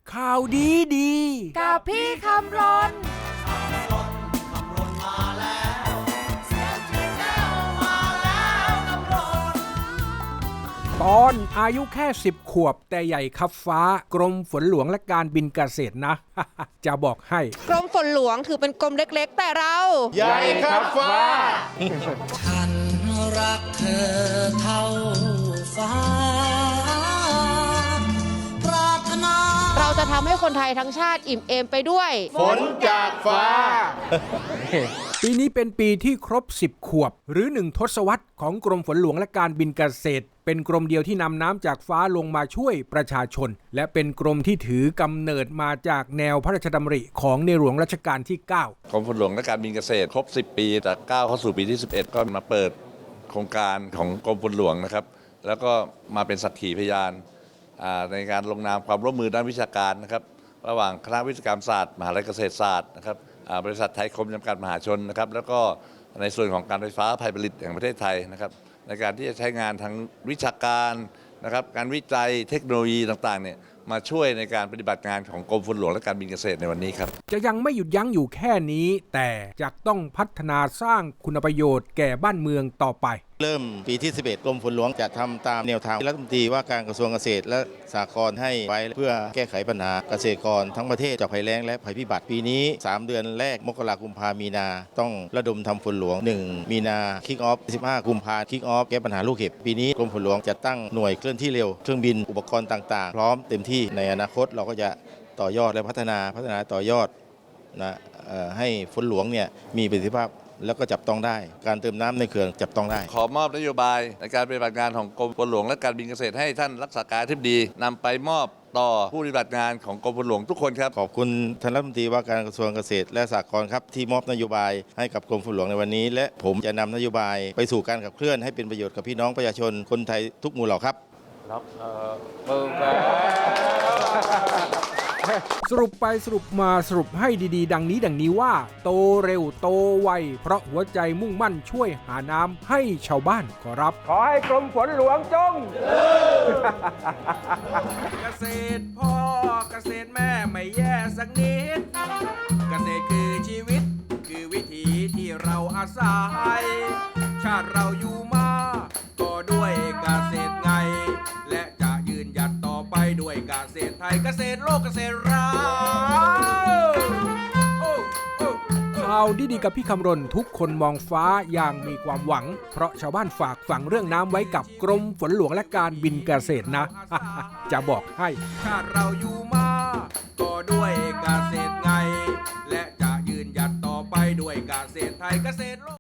ข่าวดีดีกับพี่คำรนตอนอายุแค่10 ขวบแต่ใหญ่คับฟ้ากรมฝนหลวงและการบินเกษตรนะ จะบอกให้กรมฝนหลวงถือเป็นกรมเล็กๆแต่เราใหญ่ครับฟ้าฉันรักเธอเท่าฟ้าปรารถนาเราจะทำให้คนไทยทั้งชาติอิ่มเอมไปด้วยฝนจากฟ้าปีนี้เป็นปีที่ครบ10 ขวบหรือ1 ทศวรรษของกรมฝนหลวงและการบินเกษตรเป็นกรมเดียวที่นำน้ำจากฟ้าลงมาช่วยประชาชนและเป็นกรมที่ถือกำเนิดมาจากแนวพระราชดำริของในหลวงรัชกาลที่9 กรมฝนหลวงและการบินเกษตรครบ10 ปีจาก9เข้าสู่ปีที่11ก็มาเปิดโครงการของกรมฝนหลวงนะครับแล้วก็มาเป็นสักขีพยานในการลงนามความร่วมมือด้านวิชาการนะครับระหว่างคณะวิศวกรรมศาสตร์มหาวิทยาลัยเกษตรศาสตร์นะครับบริษัทไทยคมจำกัดมหาชนนะครับแล้วก็ในส่วนของการไฟฟ้าฝ่ายผลิตแห่งประเทศไทยนะครับในการที่จะใช้งานทางวิชาการนะครับการวิจัยเทคโนโลยีต่างๆเนี่ยมาช่วยในการปฏิบัติงานของกรมฝนหลวงและการบินเกษตรในวันนี้ครับจะยังไม่หยุดยั้งอยู่แค่นี้แต่จะต้องพัฒนาสร้างคุณประโยชน์แก่บ้านเมืองต่อไปเริ่มปีที่11กรมฝนหลวงจะทำตามแนวทางที่รัฐมนตรีว่าการกระทรวงเกษตรและสหกรณ์ให้ไว้เพื่อแก้ไขปัญหาเกษตรกรทั้งประเทศจากภัยแล้งและภัยพิบัติปีนี้3 เดือนแรกมกราคมกุมภามีนาต้องระดมทำฝนหลวง1 มีนาคิกออฟ15 กุมภาคิกออฟแก้ปัญหาลูกเห็บปีนี้กรมฝนหลวงจะตั้งหน่วยเคลื่อนที่เร็วเครื่องบินอุปกรณ์ต่างๆพร้อมเต็มที่ในอนาคตเราก็จะต่อยอดและพัฒนาต่อยอดนะให้ฝนหลวงเนี่ยมีประสิทธิภาพแล้วก็จับต้องได้การเติมน้ำในเขื่อนจับต้องได้ขอมอบนโยบายในการปฏิบัติงานของกรมฝนหลวงและการบินเกษตรให้ท่านรักษาการอธิบดีนำไปมอบต่อผู้ปฏิบัติงานของกรมฝนหลวงทุกคนครับขอบคุณท่านรัฐมนตรีว่าการกระทรวงเกษตรและสหกรณ์ครับที่มอบนโยบายให้กับกรมฝนหลวงในวันนี้และผมจะนำนโยบายไปสู่การขับเคลื่อนให้เป็นประโยชน์กับพี่น้องประชาชนคนไทยทุกหมู่เหล่าครับสรุปไปสรุปมาสรุปให้ดีๆดังนี้ว่าโตเร็วโตไวเพราะหัวใจมุ่งมั่นช่วยหาน้ำให้ชาวบ้านขอรับขอให้กรมฝนหลวงจงเกษตรพ่อเกษตรแม่ไม่แย่สักนิดเกษตรคือชีวิตคือวิถีที่เราอาศัยชาติเราอยู่มาก็ด้วยเกษตรไงและจะยืนหยัดต่อไปด้วยเกษตรไทยเกษตรโลกเกษตรเราข่าวดีๆกับพี่คำรณทุกคนมองฟ้าอย่างมีความหวังเพราะชาวบ้านฝากฝังเรื่องน้ำไว้กับกรมฝนหลวงและการบินเกษตรนะ จะบอกให้ชาติเราอยู่มาก็ด้วยเกษตรไงและจะยืนหยัดต่อไปด้วยเกษตรไทยเกษตรโลก